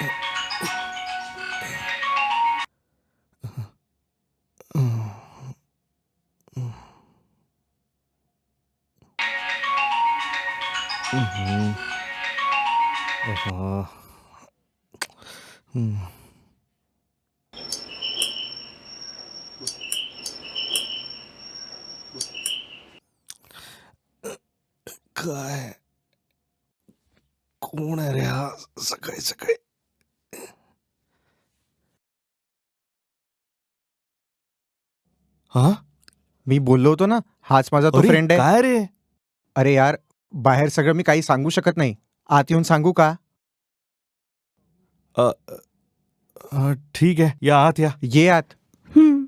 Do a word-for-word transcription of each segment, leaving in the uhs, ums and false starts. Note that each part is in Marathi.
हम्म. आहा. हम्म. काय कोण आहे रे हा सकाळी सकाळी? हा मी बोललो होतो ना, हाच माझा तो अरे फ्रेंड आहे. काय रे? अरे यार, बाहेर सगळं मी काही सांगू शकत नाही. आत येऊन सांगू का? अ, अ, ठीक आहे, या आत या. ये आत. हं.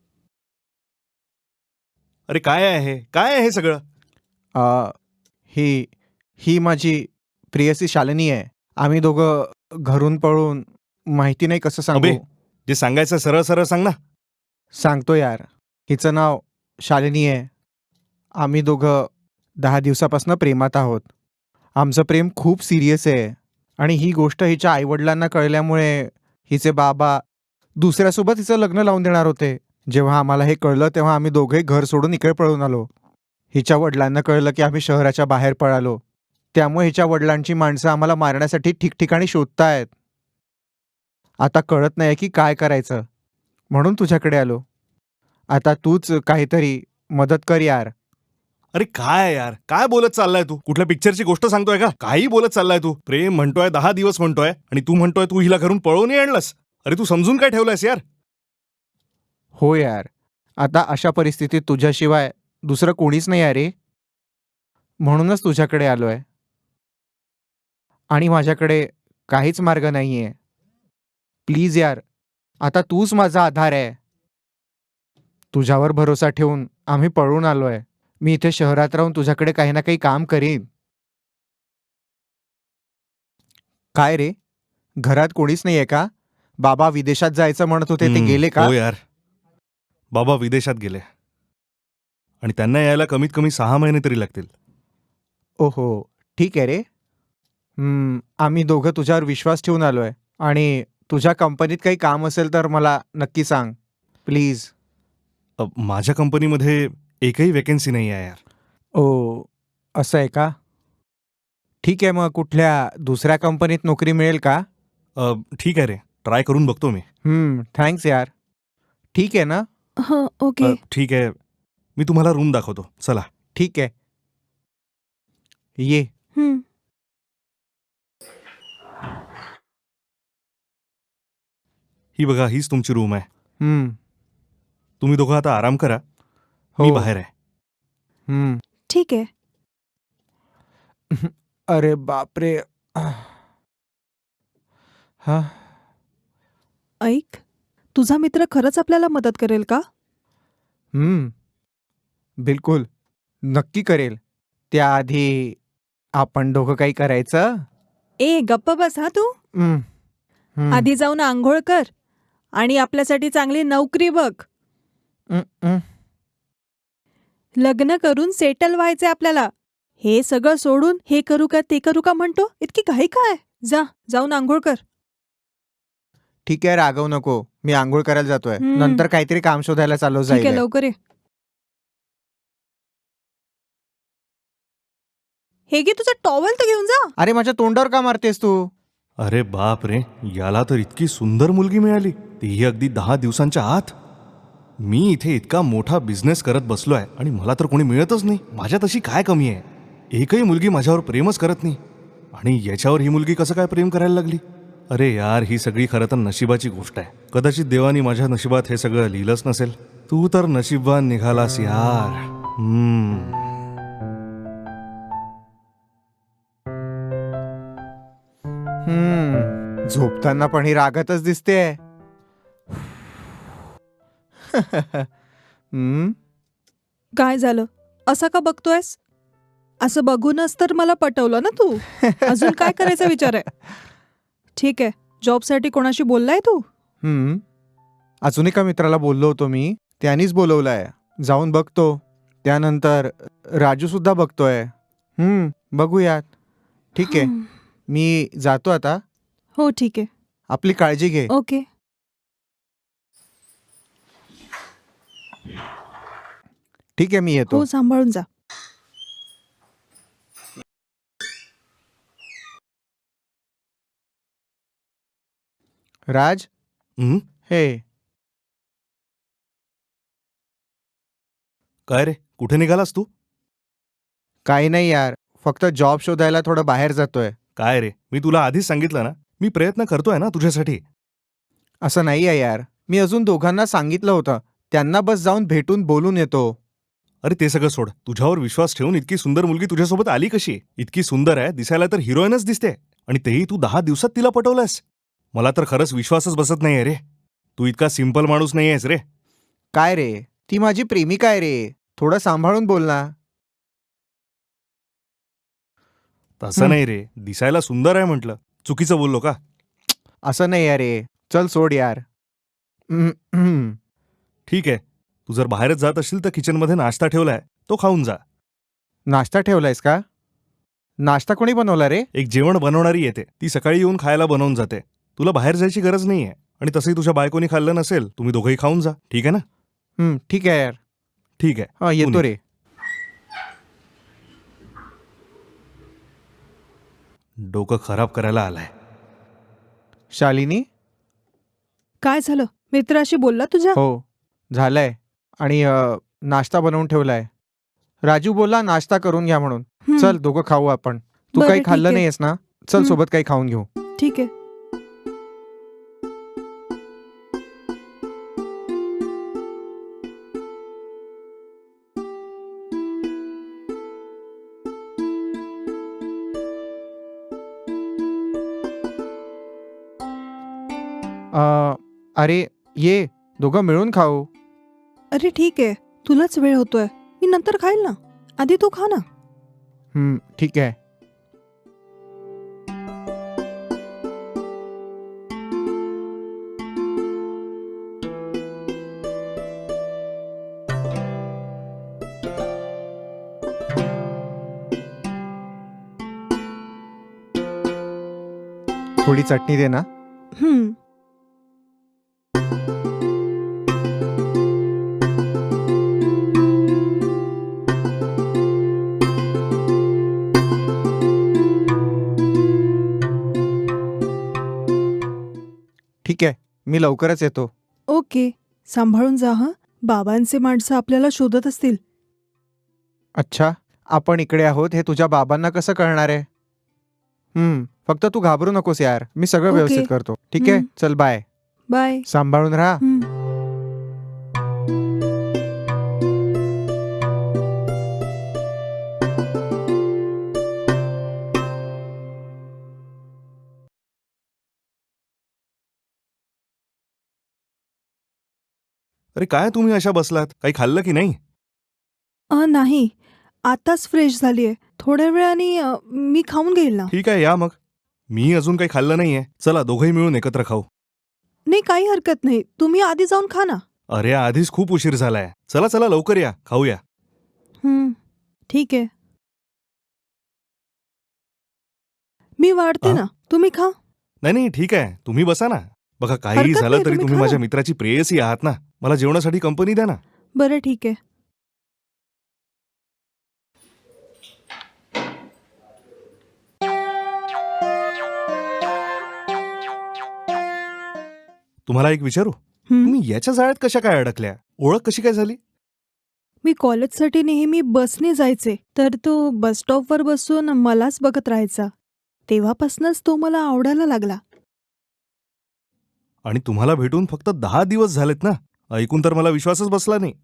अरे काय आहे हे? काय आहे हे सगळं? अ, ही ही माझी प्रेयसी शालिनी आहे. आम्ही दोघं घरून पळून माहिती नाही कसं अबे सांगू. जे सांगायचं सरळ सरळ सांग ना. सांगतो यार. हिचं नाव शालिनी आहे. आम्ही दोघं दहा दिवसापासून प्रेमात आहोत. आमचं प्रेम खूप सिरियस आहे आणि ही गोष्ट हिच्या आईवडिलांना कळल्यामुळे हिचे बाबा दुसऱ्यासोबत हिचं लग्न लावून देणार होते. जेव्हा आम्हाला हे कळलं तेव्हा आम्ही दोघे घर सोडून इकडे पळून आलो. हिच्या वडिलांना कळलं की आम्ही शहराच्या बाहेर पळालो. त्यामुळे हिच्या वडिलांची माणसं आम्हाला मारण्यासाठी ठिकठिकाणी शोधतायत. आता कळत नाही की काय करायचं, म्हणून तुझ्याकडे आलो. आता तूच काहीतरी मदत कर यार. अरे काय यार, काय बोलत चाललाय तू? कुठल्या पिक्चरची गोष्ट सांगतोय का? काही बोलत चाललाय तू. प्रेम म्हणतोय, दहा दिवस म्हणतोय आणि तू म्हणतोय तू हिला घरून पळवून आणलंस. अरे तू समजून काय ठेवलंयस यार? हो यार, आता अशा परिस्थितीत तुझ्याशिवाय दुसरं कोणीच नाही आहे रे. म्हणूनच तुझ्याकडे आलोय. आणि माझ्याकडे काहीच मार्ग नाहीये. प्लीज यार, आता तूच माझा आधार आहे. तुझ्यावर भरोसा ठेवून आम्ही पळून आलोय. मी इथे शहरात राहून तुझ्याकडे काही ना काही काम करीन. काय रे, घरात कोणीच नाहीये का? बाबा विदेशात जायचं म्हणत होते, ते हम्म, गेले का? हो यार, बाबा विदेशात गेले आणि त्यांना यायला कमीत कमी सहा महिने तरी लागतील. ओहो, ठीक आहे रे. हम्म, आम्ही दोघं तुझ्यावर विश्वास ठेवून आलोय आणि तुझ्या कंपनीत काही काम असेल तर मला नक्की सांग प्लीज. अ, माझ्या कंपनीमध्ये एकही वेकेन्सी नाही आहे यार. ओ, असं आहे का? ठीक आहे, मग कुठल्या दुसऱ्या कंपनीत नोकरी मिळेल का? अ, ठीक आहे रे, ट्राय करून बघतो मी. हम्म, थँक्स यार. ठीक आहे ना? हं, अ, ओके. ठीक आहे, मी तुम्हाला रूम दाखवतो, चला. ठीक आहे. ये. हं. ही बघा, हीच तुमची रूम आहे. हम्म, तुम्ही दोघं आता आराम करा, मी हो. बाहेर आहे. हम्म. ठीक आहे. अरे बापरे. हा. ऐक, तुझा मित्र खरंच आपल्याला मदत करेल का? हम्म, बिलकुल. नक्की करेल. त्याआधी आपण दोघं काही करायचं? ए गप्प बस हा तू. हम्म, हम्म, आधी जाऊन आंघोळ कर आणि आपल्यासाठी चांगली नोकरी बघ. हम्म, हम्म. लग्न करून सेटल व्हायचंय आपल्याला. हे सगळं सोडून हे करू का ते करू का म्हणतो, इतकी घाई काय? जा, जाऊन आंघोळ कर. ठीक आहे, रागवू नको. मी आंघोळ करायला जातोय. हम्म. नंतर काहीतरी काम शोधायला चालू ठीक आहे, जाईल. लवकर ये. हे घे तुझा टॉवेल तर घेऊन जा. अरे माझ्या तोंडावर का मारतेस तू? अरे बाप रे, याला तर इतकी सुंदर मुलगी मिळाली, तीही अगदी दहा दिवसांच्या आत. मी इथे इतका मोठा बिझनेस करत बसलोय आणि मला तर कोणी मिळतच नाही. माझ्यात अशी काय कमी आहे? एकही मुलगी माझ्यावर प्रेमच करत नाही आणि याच्यावर ही मुलगी कसं काय प्रेम करायला लागली? अरे यार, ही सगळी खरं तर नशिबाची गोष्ट आहे. कदाचित देवानी माझ्या नशिबात हे सगळं लिहिलंच नसेल. तू तर नशीबवान निघालास यार. हम्म. हम्म, झोपताना पण ही रागातच दिसते. हम्म, काय झालं? असं का बघतोयस? असं बघूनच तर मला पटवलं ना तू. अजून काय करायचा विचार आहे? ठीक आहे, जॉबसाठी कोणाशी बोललाय तू? हम्म. अजून एका मित्राला बोललो होतो मी, त्यांनीच बोलवलंय. जाऊन बघतो. त्यानंतर राजू सुद्धा बघतोय. हम्म, बघूयात. ठीक आहे, हं. मी जातो आता. हो ठीक आहे. आपली काळजी घे. ओके. ठीक आहे, मी येतो. हो, सांभाळून जा. राज, हं? हे काय रे कुठे निघालास तू? काही नाही यार, फक्त जॉब शोधायला थोडं बाहेर जातोय. काय रे मी तुला आधीच सांगितलं ना, मी प्रयत्न करतोय ना तुझ्यासाठी. असं नाही आहे यार, मी अजून दोघांना सांगितलं होतं. त्यांना बस जाऊन भेटून बोलून येतो. अरे ते सगळं सोड. तुझ्यावर विश्वास ठेवून इतकी सुंदर मुलगी तुझ्यासोबत आली कशी? इतकी सुंदर आहे, दिसायला तर हिरोईनच दिसते, आणि तेही तू दहा दिवसात तिला पटवलंस. मला तर खरंच विश्वासच बसत नाहीये रे. तू इतका सिंपल माणूस नाहीयेस रे. काय रे, ती माझी प्रेमिका आहे रे. थोडं सांभाळून बोल ना. तसं हं. नाही रे, दिसायला सुंदर आहे म्हटलं. चुकीचं बोललो का? असं नाही आहे रे, चल सोड यार. हम्म, हम्म. ठीक आहे, तू जर बाहेरच जात असशील तर किचनमध्ये नाश्ता ठेवलाय, तो खाऊन जा. नाश्ता ठेवलायस का? नाश्ता कोणी बनवला रे? एक जेवण बनवणारी येते, ती सकाळी येऊन खायला बनवून जाते. तुला बाहेर जायची गरज नाहीये, आणि तसंही तुझ्या बायकोनी खाल्लं नसेल, तुम्ही दोघंही खाऊन जा. ठीक आहे ना? हं, ठीक आहे यार. ठीक आहे. हा, येतो तू रे. डोकं खराब करायला आलाय. शालिनी? काय झालं? मित्राशी बोलला तुझ्या? हो, झालंय. आणि अ, नाश्ता बनवून ठेवलाय. राजू बोलला नाश्ता करून घ्या म्हणून. हं, चल दोघं खाऊ आपण. तू बरं, काही ठीक खाल्लं आहे. नाहीयेस ना? चल हं. सोबत काही खाऊन घेऊ. ठीक आहे. अ, अरे ये, दोघं मिळून खाऊ. अरे ठीक आहे, तुलाच वेळ होतोय. मी नंतर खाईल ना. आधी तू खा ना. हं, ठीक आहे. थोडी चटणी दे ना. हं. ठीक आहे, मी लवकरच येतो. ओके. सांभाळून जा हं. बाबांचे माणसं आपल्याला शोधत असतील. अच्छा, आपण इकडे आहोत हे तुझ्या बाबांना कसं कळणार आहे? हं, फक्त तू घाबरू नकोस यार, मी सगळं ओके. व्यवस्थित करतो. ठीक आहे, हं. चल बाय. बाय. सांभाळून राहा. हं. अरे काय तुम्ही अशा बसलात? काही खाल्लं की नाही? अ, नाही. आताच फ्रेश झालीये. थोड्या वेळाने अ, मी खाऊन घेईल ना. ठीक आहे, या मग. मी अजून काही खाल्लं नाहीये. चला दोघंही मिळून एकत्र खाऊ. नाही, काही हरकत नाही. तुम्ही आधी जाऊन खा ना. अरे आधीच खूप उशीर झालाय. चला चला लवकर या, खाऊया. हं. ठीक आहे. मी वाढते आ? ना. तुम्ही खा. नाही नाही ठीक आहे, तुम्ही बसा ना. बघा काहीही हरकत झालं नाही, तरी तुम्ही तुम्ही खा माझ्या ना. मित्राची प्रेयसी आहात ना. मला जेवणासाठी कंपनी द्या ना. बरं ठीक आहे. तुम्हाला एक विचारू? हं. तुम्ही याच्या जाळ्यात कशा काय अडकल्या? ओळख कशी काय झाली? मी कॉलेजसाठी नेहमी बसने जायचे. तर तो बस स्टॉपवर बसून मलाच बघत राहायचा. तेव्हापासूनच तो मला आवडायला लागला. आणि तुम्हाला भेटून फक्त दहा दिवस झालेत ना. ऐकून तर मला विश्वासच बसला नाही.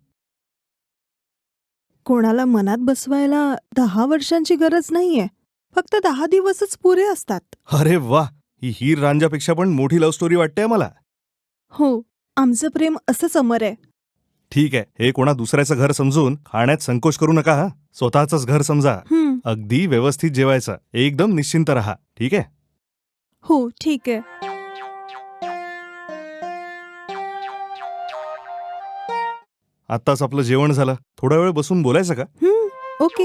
कोणाला मनात बसवायला दहा वर्षांची गरज नाहीये. फक्त दहा दिवसच पुरे असतात. अरे वा, ही हीर रांझ्यापेक्षा पण मोठी लव्ह स्टोरी वाटते मला. हो, आमचं प्रेम असंच अमर आहे. ठीक आहे, हे कोणा दुसऱ्याचं घर समजून खाण्यात संकोच करू नका हा. स्वतःचंच घर समजा. हं. अगदी व्यवस्थित जेवायचं. एकदम निश्चिंत राहा. ठीक आहे? हो, ठीक आहे. आत्ताच आपलं जेवण झालं. थोडा वेळ बसून बोलायचं का? हं. ओके.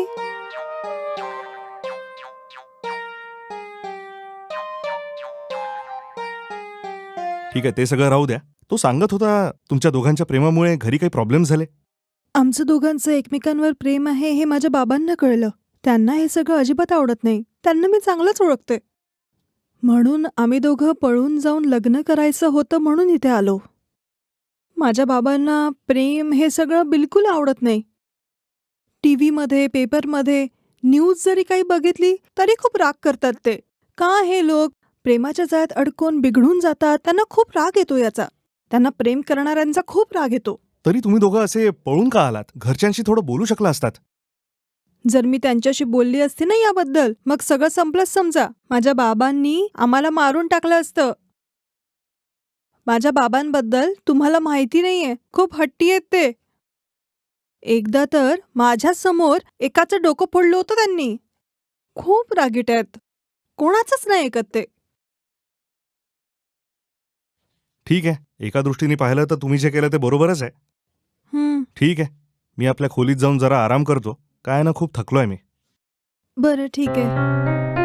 ठीक आहे, ते सगळं राहू द्या. तो सांगत होता तुमच्या दोघांच्या प्रेमामुळे घरी काही प्रॉब्लेम झाले. आमचं दोघांचं एकमेकांवर प्रेम आहे हे माझ्या बाबांना कळलं. त्यांना हे सगळं अजिबात आवडत नाही. त्यांना मी चांगलंच ओळखते. म्हणून आम्ही दोघं पळून जाऊन लग्न करायचं होतं म्हणून इथे आलो. माझ्या बाबांना प्रेम हे सगळं बिलकुल आवडत नाही. टी व्हीमध्ये, पेपरमध्ये, न्यूज जरी काही बघितली तरी खूप राग करतात ते. का हे लोक प्रेमाच्या जाळ्यात अडकून बिघडून जातात? त्यांना खूप राग येतो याचा. त्यांना प्रेम करणाऱ्यांचा खूप राग येतो. तरी तुम्ही दोघं असे पळून का आलात? घरच्यांशी थोडं बोलू शकला असतात. जर मी त्यांच्याशी बोलली असती ना याबद्दल, मग सगळं संपलंच समजा. माझ्या बाबांनी आम्हाला मारून टाकलं असतं. माझ्या बाबांबद्दल तुम्हाला माहिती नाहीये, खूप हट्टी आहेत ते. एकदा तर माझ्याच समोर एकाचं डोकं फोडलं होतं त्यांनी. खूप रागीट आहेत. कोणाचंच नाही ऐकत ते. ठीक आहे, एका दृष्टीने पाहिलं तर तुम्ही जे केलं ते बरोबरच आहे. हं, ठीक आहे, मी आपल्या खोलीत जाऊन जरा आराम करतो. काय ना, खूप थकलोय मी. बरं ठीक आहे.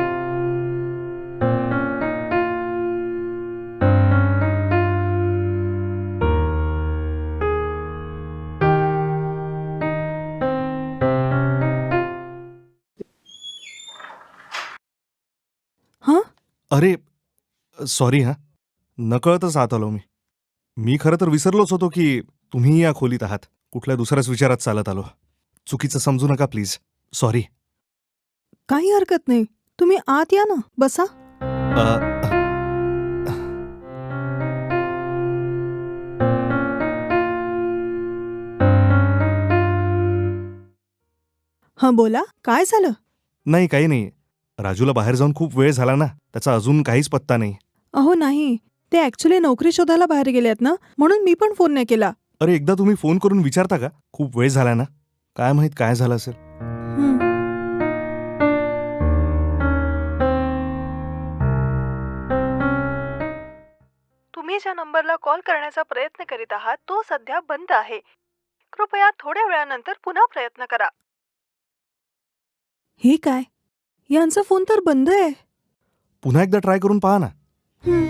हं? अरे, सॉरी हां. नकळतच आत आलो मी. मी खरं तर विसरलोच होतो की तुम्ही या खोलीत आहात. कुठल्या दुसऱ्याच विचारात चालत आलो. चुकीचं समजू नका प्लीज. सॉरी. काही हरकत नाही. तुम्ही आत या ना, बसा. अ, हं, बोला. काय झालं? नाही, काही नाही. राजूला बाहेर जाऊन खूप वेळ झाला ना, त्याचा अजून काहीच पत्ता नाही. अहो नाही, ते ॲक्च्युली नोकरी शोधायला बाहेर गेलेत ना, म्हणून मी पण फोन नाही केला. अरे, एकदा तुम्ही फोन करून विचारता का? खूप वेळ झाला ना. काय माहित काय झालं असेल. हं. तुम्ही ज्या नंबरला कॉल करण्याचा प्रयत्न करीत आहात तो सध्या बंद आहे. कृपया थोड्या वेळानंतर पुन्हा प्रयत्न करा. हे काय? यांचा फोन तर बंद आहे. पुन्हा एकदा ट्राय करून पहा ना. हं.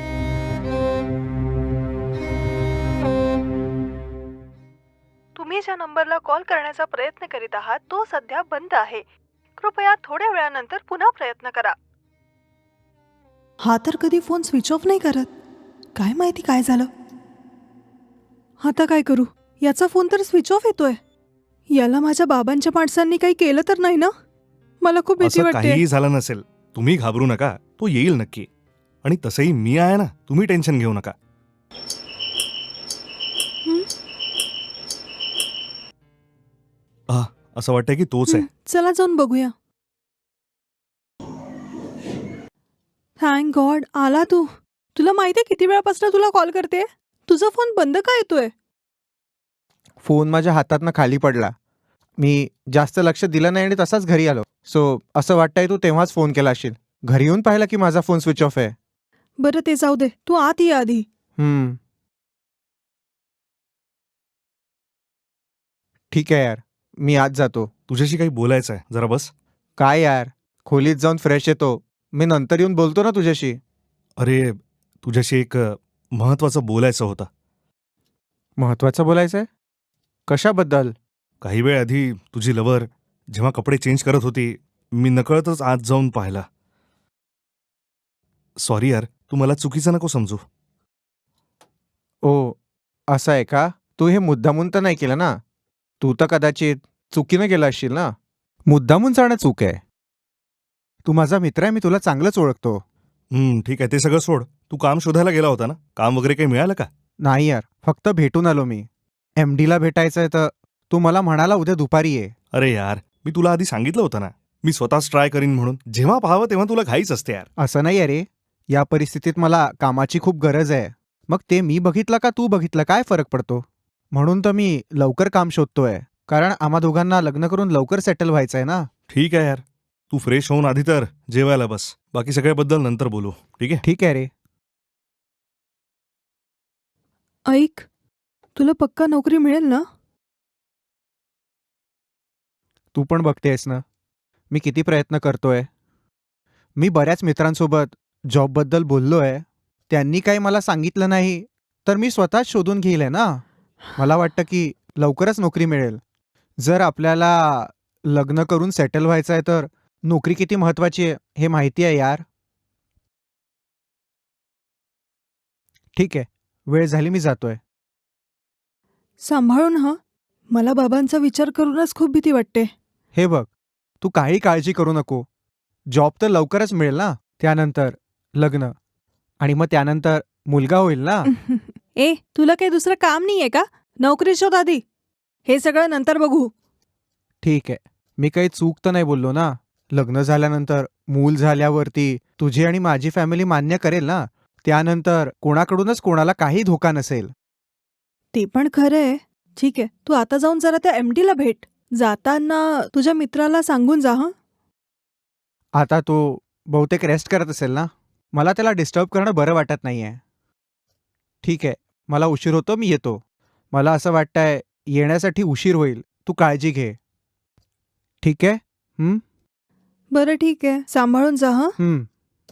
तुम्ही ज्या नंबरला कॉल करण्याचा प्रयत्न करीत आहात तो सध्या बंद आहे. कृपया थोड्या वेळानंतर पुन्हा प्रयत्न करा. हा तर कधी फोन स्विच ऑफ नाही करत. काय माहिती काय झालं. आता काय करू? याचा फोन तर स्विच ऑफ येतोय. याला माझ्या बाबांच्या माणसांनी काही केलं तर नाही ना? मला खूप भीती असं वाटते. काहीही झालं नसेल. तुम्ही घाबरू नका. तो येईल नक्की. आणि तसंही मी आहे ना, तुम्ही टेन्शन घेऊ नका. हं? आह, असं वाटतंय की तोच आहे. हं, चला जाऊन बघूया. थँक गॉड आला तू. तुला माहितीये किती वेळापासून तुला कॉल करते? तुझा फोन बंद का येतोय? फोन माझ्या हातातनं खाली पडला. मी जास्त लक्ष दिलं नाही आणि तसाच घरी आलो. सो असं वाटतंय तू तेव्हाच फोन केला असशील. घरी येऊन पाहिलं की माझा फोन स्विच ऑफ आहे. बरं ते जाऊ दे. तू आत ये आधी. हम्म. ठीक आहे यार, मी आज जातो. तुझ्याशी काही बोलायचं आहे, जरा बस. काय यार, खोलीत जाऊन फ्रेश येतो. मी नंतर येऊन बोलतो ना तुझ्याशी. अरे, तुझ्याशी एक अ, महत्वाचं बोलायचं होतं. महत्वाचं बोलायचं आहे? कशाबद्दल? काही वेळ आधी तुझी लवर जेव्हा कपडे चेंज करत होती, मी नकळतच आत जाऊन पाहिला. सॉरी यार, तू मला चुकीचं नको समजू. ओ, असं आहे का? तू हे मुद्दामून तर नाही केलं ना? तू तर कदाचित चुकीनं केलं असशील ना? मुद्दामून जाणं चूक आहे. तू माझा मित्र आहे, मी तुला चांगलंच ओळखतो. हं, ठीक आहे, ते सगळं सोड. तू काम शोधायला गेला होता ना? काम वगैरे काही मिळालं का? नाही यार, फक्त भेटून आलो मी. एम डीला भेटायचं आहे तर तू मला म्हणाला उद्या दुपारी ये. अरे यार, मी तुला आधी सांगितलं होतं ना, मी स्वतःच ट्राय करीन म्हणून. जेव्हा पाहावं तेव्हा तुला घाईच असते यार. असं नाही अरे, या परिस्थितीत मला कामाची खूप गरज आहे. मग ते मी बघितलं का तू बघितलं काय फरक पडतो? म्हणून तर मी लवकर काम शोधतोय. कारण आम्हा दोघांना लग्न करून लवकर सेटल व्हायचं आहे ना. ठीक आहे यार, तू फ्रेश होऊन आधी तर जेवायला बस. बाकी सगळ्याबद्दल नंतर बोलू, ठीक आहे? ठीक आहे रे. ऐक, तुला पक्का नोकरी मिळेल ना? तू पण बघतेस ना, मी किती प्रयत्न करतोय. मी बऱ्याच मित्रांसोबत जॉबबद्दल बोललोय. त्यांनी काही मला सांगितलं नाही तर मी स्वतःच शोधून घेईल ना. मला वाटतं की लवकरच नोकरी मिळेल. जर आपल्याला लग्न करून सेटल व्हायचं आहे तर नोकरी किती महत्वाची आहे हे माहिती आहे यार. ठीक आहे, वेळ झाली, मी जातोय. सांभाळून हं. मला बाबांचा विचार करूनच खूप भीती वाटते. हे बघ, तू काही काळजी करू नको. जॉब तर लवकरच मिळेल ना. त्यानंतर लग्न आणि मग त्यानंतर मुलगा होईल ना. ए तुला काही दुसरं काम नाहीये का? नोकरी शोध आधी. हे सगळं नंतर बघू. ठीक आहे, मी काही चूक तर नाही बोललो ना. लग्न झाल्यानंतर मूल झाल्यावरती तुझी आणि माझी फॅमिली मान्य करेल ना. त्यानंतर कोणाकडूनच कोणाला काही धोका नसेल. ते पण खरं आहे. ठीक आहे, तू आता जाऊन जरा त्या एमडी ला भेट. जाताना तुझ्या मित्राला सांगून जा हं. आता तो बहुतेक रेस्ट करत असेल ना. मला त्याला डिस्टर्ब करणं बरं वाटत नाहीये. ठीक आहे, मला उशीर होतो, मी येतो. मला असं वाटतंय येण्यासाठी उशीर होईल. तू काळजी घे. ठीक आहे. हं? बरं ठीक आहे, सांभाळून जा हं. हं.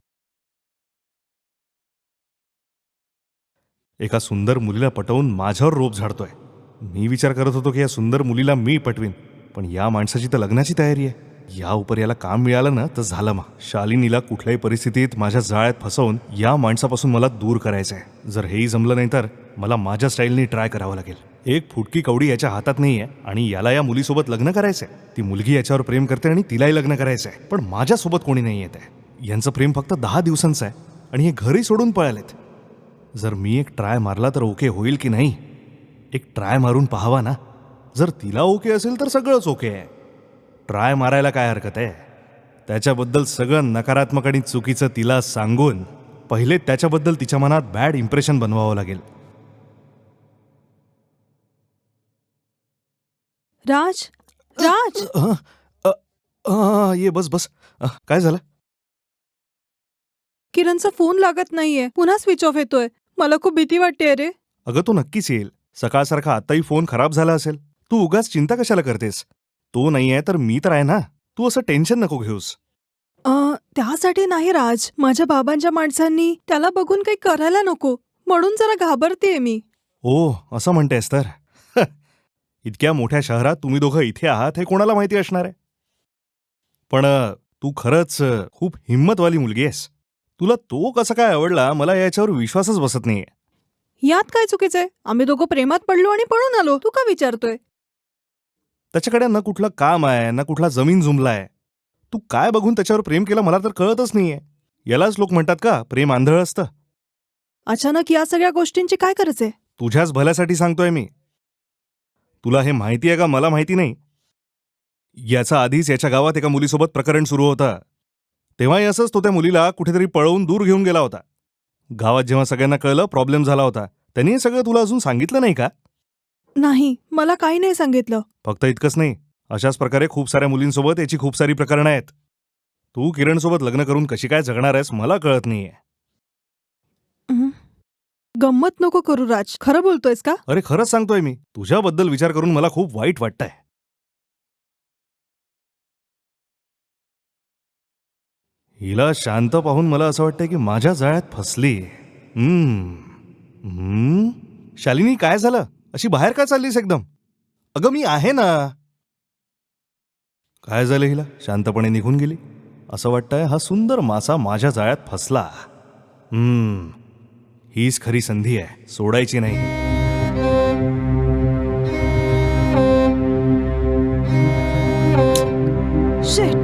एका सुंदर मुलीला पटवून माझ्यावर रोप झाडतोय. मी विचार करत होतो की या सुंदर मुलीला मी पटवीन, पण या माणसाची तर लग्नाची तयारी आहे. या उपर याला काम मिळालं ना तर झालं. मग शालिनीला कुठल्याही परिस्थितीत माझ्या जाळ्यात फसवून या माणसापासून मला दूर करायचं आहे. जर हेही जमलं नाही तर मला माझ्या स्टाईलनी ट्राय करावं लागेल. एक फुटकी कवडी याच्या हातात नाहीये आणि याला या मुलीसोबत लग्न करायचंय. ती मुलगी याच्यावर प्रेम करते आणि तिलाही लग्न करायचंय, पण माझ्यासोबत कोणी नाही येत आहे. यांचं प्रेम फक्त दहा दिवसांचं आहे आणि हे घरी सोडून पळालेत. जर मी एक ट्राय मारला तर ओके होईल की नाही? एक ट्राय मारून पाहावा ना. जर तिला ओके असेल तर सगळंच ओके आहे. ट्राय मारायला काय हरकत आहे? त्याच्याबद्दल सगळं नकारात्मक आणि चुकीचं तिला सांगून पहिले त्याच्याबद्दल तिच्या मनात बॅड इम्प्रेशन बनवावं लागेल. राज राज अ, अ, अ, ये बस बस. अ, काय झालं? किरणचा फोन लागत नाहीये. पुन्हा स्विच ऑफ येतोय. मला खूप भीती वाटते रे. अगं तो नक्कीच येईल. सकाळसारखा आताही फोन खराब झाला असेल. तू उगाच चिंता कशाला करतेस? तो नाही आहे तर मी तर आहे ना. तू असं टेन्शन नको घेऊस. अ, त्यासाठी नाही राज. माझ्या बाबांच्या माणसांनी त्याला बघून काही करायला नको म्हणून जरा घाबरतेय मी. ओ असं म्हणतेस तर ह, इतक्या मोठ्या शहरात तुम्ही दोघं इथे आहात हे कोणाला माहिती असणार आहे? पण अ, तू खरंच अ, खूप हिंमतवाली मुलगी आहेस. तुला तो कसा काय आवडला मला याच्यावर विश्वासच बसत नाहीये. यात काय चुकीचंय? आम्ही दोघं प्रेमात पडलो आणि पळून आलो. तू का विचारतोय? त्याच्याकडे ना कुठलं काम आहे ना कुठला जमीन जुमला आहे. तू काय बघून त्याच्यावर प्रेम केलं मला तर कळतच नाहीये. यालाच लोक म्हणतात का प्रेम आंधळ असतं? अचानक या सगळ्या गोष्टींची काय गरज आहे? तुझ्याच भल्यासाठी सांगतोय मी. तुला हे माहिती आहे का मला माहिती नाही. याचा आधीच याच्या गावात एका मुलीसोबत प्रकरण सुरू होतं. तेव्हाही असंच तो त्या मुलीला कुठेतरी पळवून दूर घेऊन गेला होता. गावात जेव्हा सगळ्यांना कळलं प्रॉब्लेम झाला होता. त्यांनी हे सगळं तुला अजून सांगितलं नाही का? नाही, मला काही नाही सांगितलं. फक्त इतकंच नाही, अशाच प्रकारे खूप साऱ्या मुलींसोबत याची खूप सारी प्रकरणं आहेत. तू किरणसोबत लग्न करून कशी काय जगणार आहेस मला कळत नाहीये. हं. गंमत नको करू राज. खरं बोलतोयस का? अरे खरंच सांगतोय मी. तुझ्याबद्दल विचार करून मला खूप वाईट वाटतंय. हिला शांत पाहून मला असं वाटतंय की माझ्या जाळ्यात फसली. हम्म हम्म शालिनी काय झालं? अशी बाहेर का चाललीस एकदम? अगं मी आहे ना. काय झालं हिला? शांतपणे निघून गेली. असं वाटतंय हा सुंदर मासा माझ्या जाळ्यात फसला. हम्म हीच खरी संधी आहे, सोडायची नाही. शिट.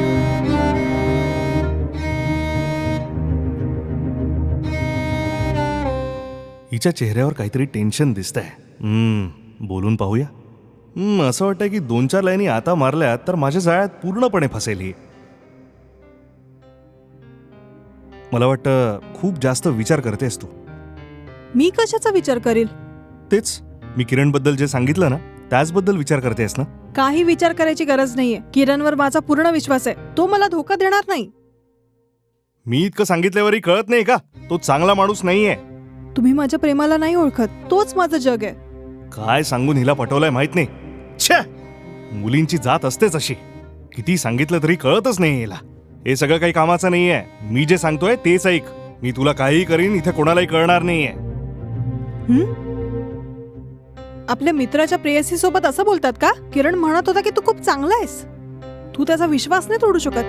हिच्या चेहऱ्यावर काहीतरी टेन्शन दिसतंय. हम्म बोलून पाहूया. हम्म असं वाटतंय की दोन चार लाईनी आता मारल्यात तर माझ्या जाळ्यात पूर्णपणे फसेल ही. मला वाटतं खूप जास्त विचार करतेस तू. मी कशाचा विचार करील? तेच मी किरणबद्दल जे सांगितलं ना त्याचबद्दल विचार करतेस ना? काही विचार करायची गरज नाहीये. किरणवर माझा पूर्ण विश्वास आहे. तो मला धोका देणार नाही. मी इतकं सांगितल्यावरही कळत नाही का? तो चांगला माणूस नाहीये. तुम्ही माझ्या प्रेमाला नाही ओळखत. तोच माझं जग आहे. काय सांगून हिला पटवलंय माहित नाही. छे, मुलींची जात असतेच अशी. किती सांगितलं तरी कळतच नाही हिला. हे सगळं काही कामाचं नाहीये. मी जे सांगतोय तेच ऐक. मी तुला काहीही करीन, इथे कोणालाही कळणार नाहीये. हं? आपल्या मित्राच्या प्रेयसी सोबत असं बोलतात का? किरण म्हणत होता की तू खूप चांगला आहेस. तू त्याचा विश्वास नाही तोडू शकत.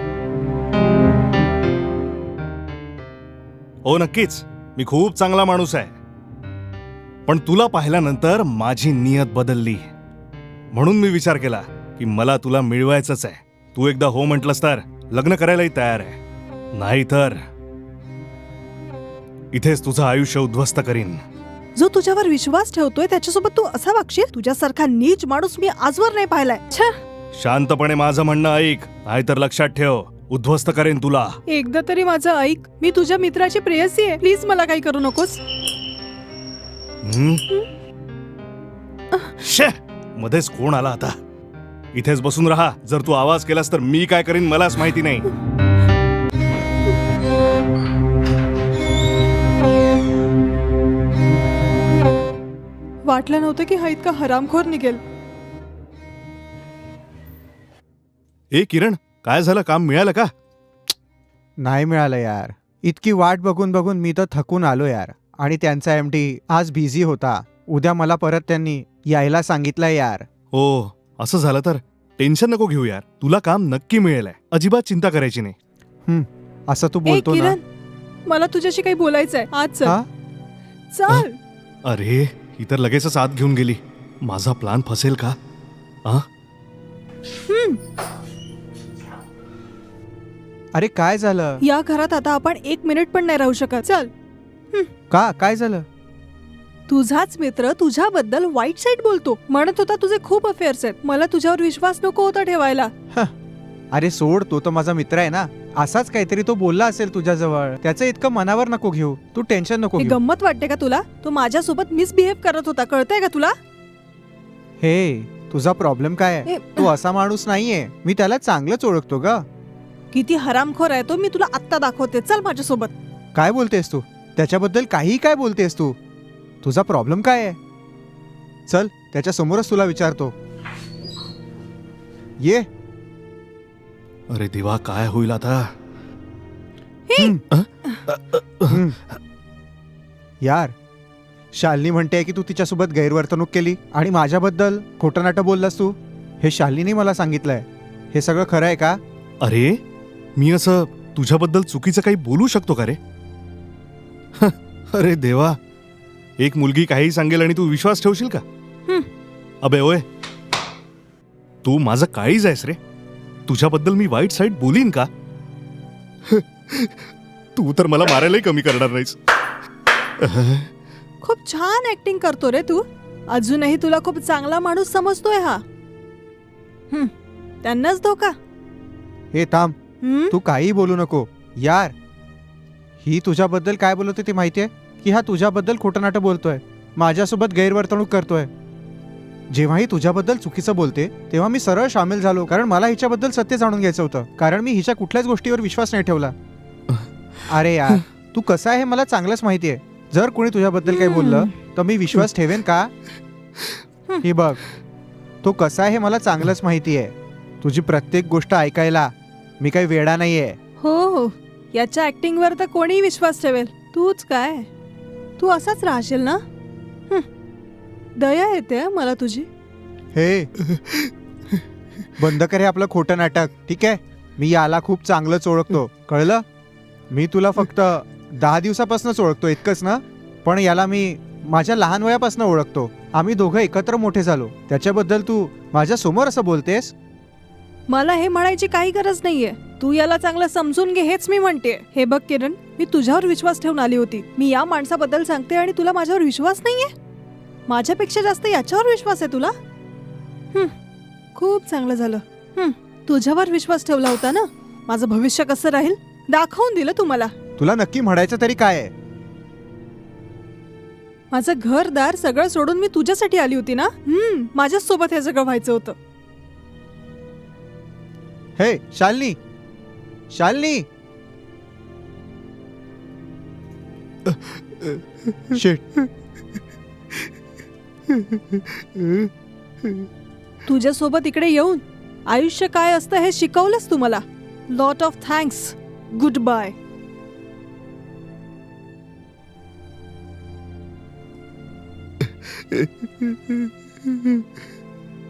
हो नक्कीच, मी खूप चांगला माणूस आहे. पण तुला पाहिल्यानंतर माझी नियत बदलली. म्हणून मी विचार केला की मला तुला मिळवायचंच आहे. तू एकदा हो म्हटलंस तर लग्न करायलाही तयार आहे. नाही तर इथेच तुझं आयुष्य उद्ध्वस्त करीन. जो तुझ्यावर विश्वास ठेवतोय त्याच्यासोबत तू असा वागशील? तुझ्यासारखा नीच माणूस मी आजवर नाही पाहिलाय. छे. शांतपणे माझं म्हणणं ऐक, नाहीतर लक्षात ठेव उद्ध्वस्त करेन तुला. एकदा तरी माझं ऐक. मी तुझ्या मित्राची प्रेयसी आहे. प्लीज मला काही करू नकोस. हं? शे, मध्येच कोण आला आता? इथेच बसून राहा. जर तू आवाज केलास तर मी काय करीन मलाच माहिती नाही. वाटलं नव्हतं की हा इतका हरामखोर निघेल. ए किरण, काय झालं? काम मिळालं का? नाही मिळालं यार. इतकी वाट बघून बघून मी तर थकून आलो यार. आणि त्यांचा एमडी आज बिझी होता. उद्या मला परत त्यांनी यायला सांगितलंय यार. हो, असं झालं तर टेन्शन नको घेऊ यार. तुला काम नक्की मिळेल. अजिबात चिंता करायची नाही. हं, असं तू ए बोलतो ना. किरण, मला तुझ्याशी काही बोलायचंय. आज चल. हा? चल. अरे, ही तर लगेचच आत घेऊन गेली. माझा प्लान फसेल का? आ? हं. अरे काय झालं? या घरात आता आपण एक मिनिट पण नाही राहू शकत. चल. का काय झालं? तुझाच मित्र तुझ्याबद्दल वाईट साईड बोलतो. म्हणत होता तुझे खूप अफेअर्स आहेत. मला तुझ्यावर विश्वास नको होता ठेवायला. अरे सोड, तो तर माझा मित्र आहे ना. असाच काहीतरी तो बोलला असेल तुझ्याजवळ. त्याचं इतकं मनावर नको घेऊ. तू टेन्शन नको हे घेऊ. गंमत वाटते का तुला? तो माझ्यासोबत मिसबिहेव करत होता. कळतंय का तुला? हे तुझा प्रॉब्लेम काय आहे? ए, तो असा माणूस नाहीये. मी त्याला चांगलंच ओळखतो ग. किती हरामखोर आहे तो. मी तुला आत्ता दाखवते. चल माझ्यासोबत. काय बोलतेस तू? त्याच्याबद्दल काही काय बोलतेस तू? तुझा प्रॉब्लेम काय आहे? चल त्याच्या समोरच तुला विचारतो. ये. अरे देवा, काय होईल आता? हं. हं. यार, शालिनी म्हणते की तू तिच्यासोबत गैरवर्तणूक केली आणि माझ्याबद्दल खोटं नाटं बोललास तू. हे शालिनीने मला सांगितलंय. हे सगळं खरं आहे का? अरे, मी असं तुझ्याबद्दल चुकीचं काही बोलू शकतो का रे? अरे देवा, एक मुलगी काही सांगेल आणि तू विश्वास ठेवशील का? हं. अबे ओय, तू माझं काळीज आहेस रे. तुझ्याबद्दल मी वाईट साईड बोलीन का? तू तर मला मारायलाही कमी करणार नाहीस. खूप छान ऍक्टिंग करतो रे तू. अजूनही तुला खूप चांगला माणूस समजतोय हा. हं. त्यांनाच धोका. हे थांब, हं? तू काही बोलू नको. यार, ही तुझ्याबद्दल काय बोलते ते माहितीये? की हा तुझ्याबद्दल खोटं नाटं बोलतोय. माझ्यासोबत गैरवर्तणूक करतोय. जेव्हाही तुझ्याबद्दल चुकीचं बोलते तेव्हा मी सरळ सामील झालो. कारण मला हिच्याबद्दल सत्य जाणून घ्यायचं होतं. कारण मी हिच्या कुठल्याच गोष्टीवर विश्वास नाही ठेवला. अरे यार, तू कसा आहे हे मला चांगलंच माहितीये. जर कोणी तुझ्याबद्दल काही बोललं तर मी विश्वास ठेवेन का? ही बघ, तो कसा आहे हे मला चांगलंच माहितीये. तुझी प्रत्येक गोष्ट ऐकायला मी काही वेडा नाहीये. हो हो, याच्या ऍक्टिंग वर तर कोणी विश्वास ठेवेल. तूच काय, तू असाच राहशील ना? हं. दया येते मला तुझी. हे बंद कर हे आपलं खोटं नाटक, ठीक आहे? मी याला खूप चांगलंच ओळखतो, कळलं? मी तुला फक्त दहा दिवसापासूनच ओळखतो, इतकंच ना? पण याला मी माझ्या लहान वयापासून ओळखतो. आम्ही दोघं एकत्र मोठे झालो. त्याच्याबद्दल तू माझ्या समोर असं बोलतेस? मला हे म्हणायची काही गरज नाहीये. तू याला चांगलं समजून घे हेच मी म्हणते. हे बघ किरण, मी तुझ्यावर विश्वास ठेवून आली होती. मी या माणसाबद्दल सांगते आणि तुला माझ्यावर विश्वास नाहीये? माझ्यापेक्षा जास्त याच्यावर विश्वास आहे तुला? हं, खूप चांगलं झालं. हं, तुझ्यावर विश्वास ठेवला होता ना. माझं भविष्य कसं राहील दाखवून दिलं तू मला. तुला नक्की म्हणायचं तरी काय आहे? माझं घरदार सगळं सोडून मी तुझ्यासाठी आली होती ना. हं, माझ्याच सोबत हे सगळं व्हायचं होतं. हे शालिनी, शालिनी. शिट. तुझ्यासोबत इकडे येऊन आयुष्य काय असतं हे शिकवलंस तू मला. Lot of thanks. Good bye.